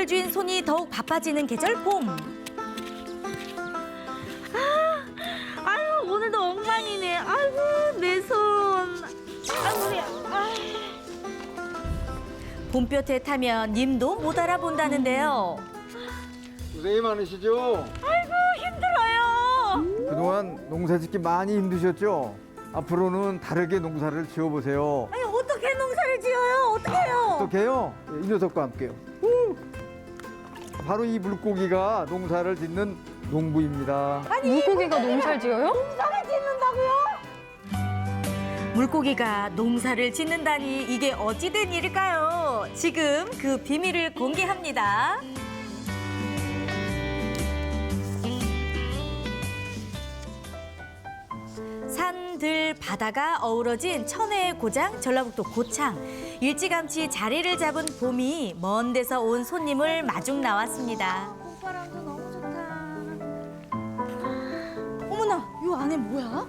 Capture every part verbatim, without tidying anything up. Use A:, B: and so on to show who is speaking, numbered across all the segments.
A: 물주인 손이 더욱 바빠지는 계절 봄.
B: 아유, 오늘도 엉망이네. 아이고, 내 손. 아이고, 우리, 아.
A: 봄볕에 타면 님도 못 알아본다는데요.
C: 고생이 많으시죠?
B: 아이고, 힘들어요.
C: 그동안 농사 짓기 많이 힘드셨죠? 앞으로는 다르게 농사를 지어보세요.
B: 아니, 어떻게 농사를 지어요? 어떻게 해요?
C: 어떻게 해요? 이 녀석과 함께요. 우! 바로 이 물고기가 농사를 짓는 농부입니다.
B: 아니,
D: 물고기가 농사를 지어요?
B: 농사를 짓는다고요?
A: 물고기가 농사를 짓는다니 이게 어찌된 일일까요? 지금 그 비밀을 공개합니다. 산, 들, 바다가 어우러진 천혜의 고장 전라북도 고창. 일찌감치 자리를 잡은 봄이 먼 데서 온 손님을 마중 나왔습니다.
B: 봄바람도 너무 좋다. 어머나, 이 안에 뭐야?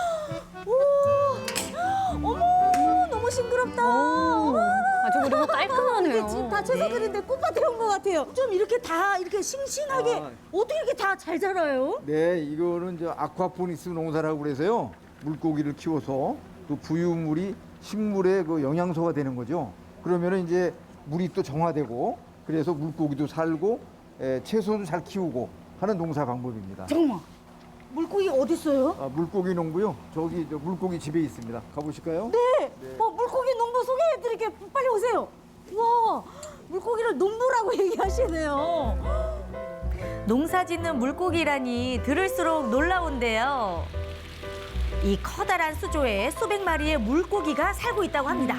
B: 오, 어머, 너무 싱그럽다. 어머.
D: 아주 그리고 깔끔하네요.
B: 이게 지금 다 채소 그린데 꽃밭에 온 것 같아요. 좀 이렇게 다 이렇게 싱싱하게
C: 아.
B: 어떻게 이렇게 다 잘 자라요?
C: 네, 이거는 저 아쿠아포닉스 농사라고 그래서요. 물고기를 키워서 또 부유물이 식물의 그 영양소가 되는 거죠. 그러면은 이제 물이 또 정화되고 그래서 물고기도 살고 에, 채소도 잘 키우고 하는 농사 방법입니다.
B: 잠깐만, 물고기 어디 있어요?
C: 아, 물고기 농부요. 저기 저 물고기 집에 있습니다. 가보실까요?
B: 네. 어, 물고기 농부 소개해드릴게요. 빨리 오세요. 와, 물고기를 농부라고 얘기하시네요.
A: 농사 짓는 물고기라니 들을수록 놀라운데요. 이 커다란 수조에 수백 마리의 물고기가 살고 있다고 합니다.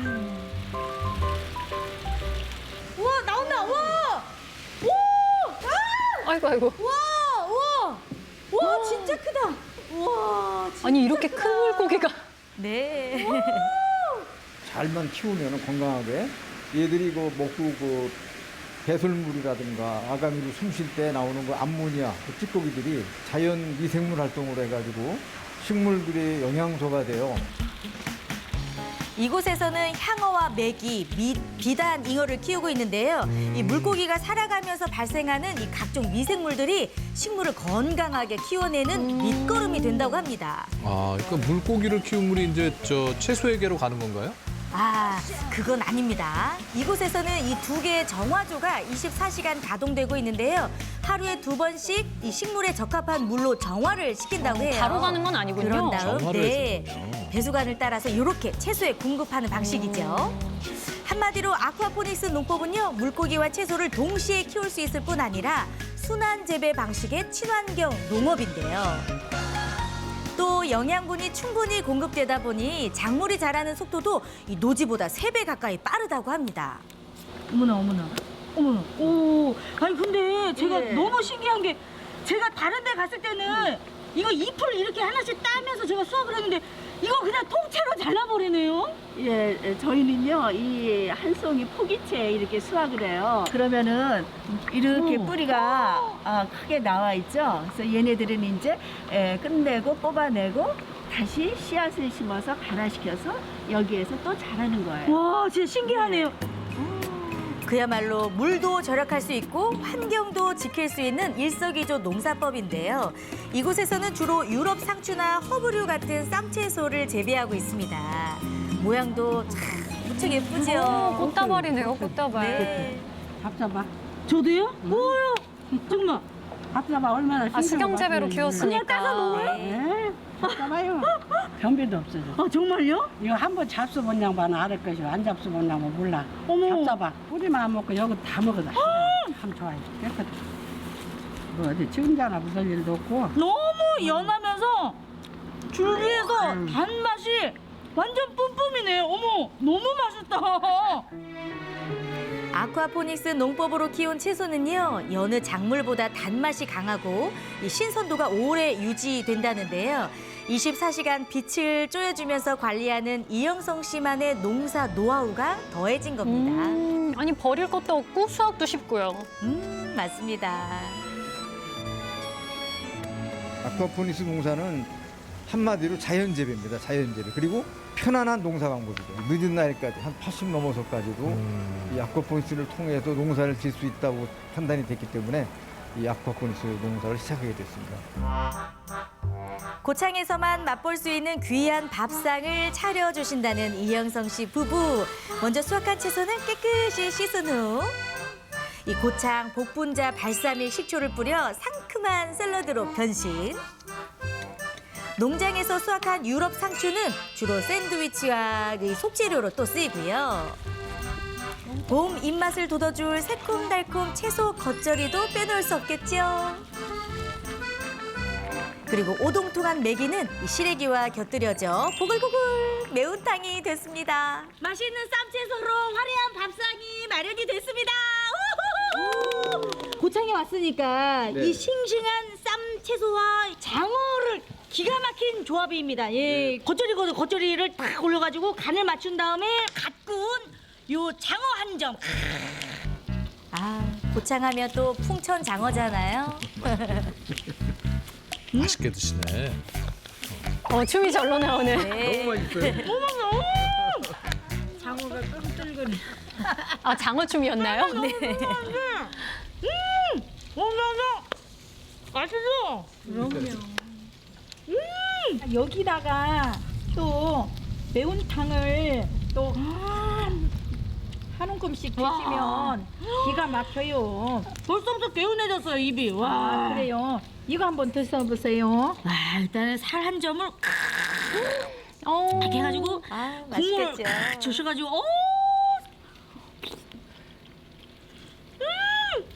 B: 우와, 나온다. 와, 오, 아,
D: 아이고 아이고.
B: 와, 와, 와, 진짜 크다. 와, 진짜
D: 아니 이렇게 큰 물고기가.
A: 네.
C: 잘만 키우면 건강하게 얘들이 그 먹고 그 배설물이라든가 아가미로 숨 쉴 때 나오는 그 암모니아 그 찌꺼기들이 자연 미생물 활동을 해가지고 식물들의 영양소가 돼요.
A: 이곳에서는 향어와 메기, 밑, 비단, 잉어를 키우고 있는데요. 이 물고기가 살아가면서 발생하는 이 각종 미생물들이 식물을 건강하게 키워내는 밑거름이 된다고 합니다.
E: 아, 그러니까 물고기를 키운 물이 이제 저 채소에게로 가는 건가요?
A: 아, 그건 아닙니다. 이곳에서는 이 두 개의 정화조가 이십사 시간 가동되고 있는데요. 하루에 두 번씩 이 식물에 적합한 물로 정화를 시킨다고 해요.
D: 바로 가는 건 아니군요.
A: 그런 다음
E: 정화를
A: 네,
E: 해주는군요.
A: 배수관을 따라서 이렇게 채소에 공급하는 방식이죠. 한마디로 아쿠아포닉스 농법은요, 물고기와 채소를 동시에 키울 수 있을 뿐 아니라 순환 재배 방식의 친환경 농업인데요. 또 영양분이 충분히 공급되다 보니 작물이 자라는 속도도 이 노지보다 세 배 가까이 빠르다고 합니다.
B: 어머나, 어머나, 어머나. 오, 아니 근데 제가
F: 예.
B: 너무 신기한 게 제가 다른 데 갔을 때는 이거 잎을 이렇게 하나씩 따면서 제가 수확을 했는데 이거 그냥 통째로 잘라버리네요.
F: 예, 저희는요, 이 한 송이 포기채 이렇게 수확을 해요. 그러면은 이렇게
B: 오.
F: 뿌리가 아, 크게 나와 있죠. 그래서 얘네들은 이제 예, 끝내고 뽑아내고 다시 씨앗을 심어서 발화시켜서 여기에서 또 자라는 거예요.
B: 와, 진짜 신기하네요.
A: 그야말로 물도 절약할 수 있고 환경도 지킬 수 있는 일석이조 농사법인데요. 이곳에서는 주로 유럽 상추나 허브류 같은 쌈채소를 재배하고 있습니다. 모양도 참 무척 예쁘죠?
D: 어, 꽃다발이네요, 꽃다발.
A: 네.
G: 밥 잡아.
B: 저도요? 뭐요? 정말.
G: 밥 잡아 얼마나
D: 아, 수경재배로 키웠으니까.
B: 그냥 따서 먹어요?
G: 네. 밥 잡아요. 변비도 없어져.
B: 아, 정말요?
G: 이거 한번 잡숴본 양반은 알을 것이고 안 잡숴본 양반은 몰라.
B: 어머.
G: 밥 잡아. 뿌리만 안 먹고 여기 다 먹어다. 참 좋아요. 깨끗해. 뭐 어디 지금자나 묻을 일도 없고.
B: 너무 연하면서 줄기에서 단맛이 완전 뿜뿜이네. 어머, 너무 맛있다.
A: 아쿠아포닉스 농법으로 키운 채소는요, 여느 작물보다 단맛이 강하고 이 신선도가 오래 유지된다는데요. 이십사 시간 빛을 쬐어주면서 관리하는 이영성 씨만의 농사 노하우가 더해진 겁니다.
D: 음, 아니 버릴 것도 없고 수확도 쉽고요.
A: 음, 맞습니다.
C: 아쿠아포닉스 농사는 한마디로 자연재배입니다. 자연재배. 그리고 편안한 농사 방법이죠. 늦은 나이까지 한 팔십 넘어서까지도
E: 음.
C: 이 아쿠아포니스를 통해서 농사를 질 수 있다고 판단이 됐기 때문에 이 아쿠아포니스 농사를 시작하게 됐습니다.
A: 고창에서만 맛볼 수 있는 귀한 밥상을 차려주신다는 이영성 씨 부부. 먼저 수확한 채소는 깨끗이 씻은 후 이 고창 복분자 발사믹 식초를 뿌려 상큼한 샐러드로 변신. 농장에서 수확한 유럽 상추는 주로 샌드위치와 이 속재료로 또 쓰이고요. 봄 입맛을 돋워줄 새콤달콤 채소 겉절이도 빼놓을 수 없겠죠. 그리고 오동통한 메기는 이 시래기와 곁들여져 보글보글 매운탕이 됐습니다.
B: 맛있는 쌈채소로 화려한 밥상이 마련이 됐습니다. 우후후! 고창에 왔으니까
C: 네.
B: 이 싱싱한 쌈채소와 장어를 기가 막힌 조합입니다. 예, 겉절이거든. 겉절이를 딱 올려가지고 간을 맞춘 다음에 갓 구운 요 장어 한 점.
A: 아, 고창하면 또 풍천 장어잖아요.
E: 맛있게 드시네.
D: 어, 춤이 절로 나오네.
A: 네.
C: 맛있어요.
B: 장어가 끈끈거려.
D: 아, 장어춤이었나요?
A: 네.
B: 음! 어머머! 맛있어!
F: 여기다가 또 매운탕을 또 한 움큼씩 드시면 기가 막혀요.
B: 벌써부터 개운해졌어요, 입이. 와.
F: 아, 그래요. 이거 한번 드셔보세요.
B: 와, 일단은 살 한 점을
D: 어.
B: 이렇게 해가지고
A: 아,
B: 국물을
A: 맛있겠죠.
B: 칵 주셔가지고 오! 음!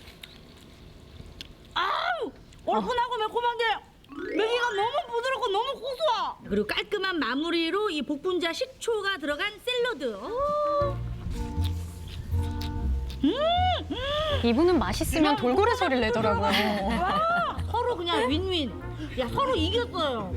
B: 아우! 얼큰하고 매콤한데 메기가 너무 부드럽고 너무 고소해. 그리고 깔끔한 마무리로 이 복분자 식초가 들어간 샐러드. 오!
D: 이분은 맛있으면 돌고래 소리를 내더라고요.
B: 와! 서로 그냥 윈윈. 야, 서로 이겼어요.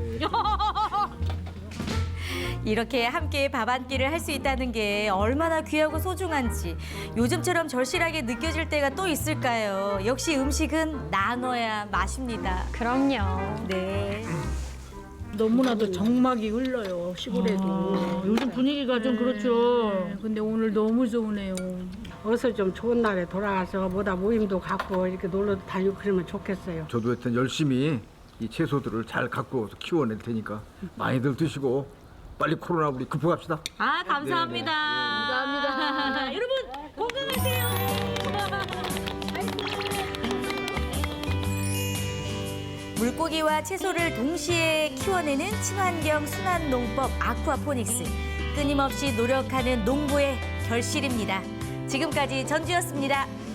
A: 이렇게 함께 밥 한 끼를 할 수 있다는 게 얼마나 귀하고 소중한지 요즘처럼 절실하게 느껴질 때가 또 있을까요? 역시 음식은 나눠야 맛입니다.
D: 그럼요.
A: 네.
H: 너무나도 정막이 흘러요 시골에도.
B: 요즘 분위기가 좀 그렇죠.
H: 네, 근데 오늘 너무 좋으네요. 어서 좀 좋은 날에 돌아가서 뭐다 모임도 갖고 이렇게 놀러 다니고 그러면 좋겠어요.
C: 저도 하여튼 열심히 이 채소들을 잘 갖고 와서 키워낼 테니까 많이들 드시고 빨리 코로나 우리 극복합시다.
B: 아, 감사합니다. 감사합니다. 여러분, 건강하세요.
A: 물고기와 채소를 동시에 키워내는 친환경 순환 농법 아쿠아포닉스. 끊임없이 노력하는 농부의 결실입니다. 지금까지 전주였습니다.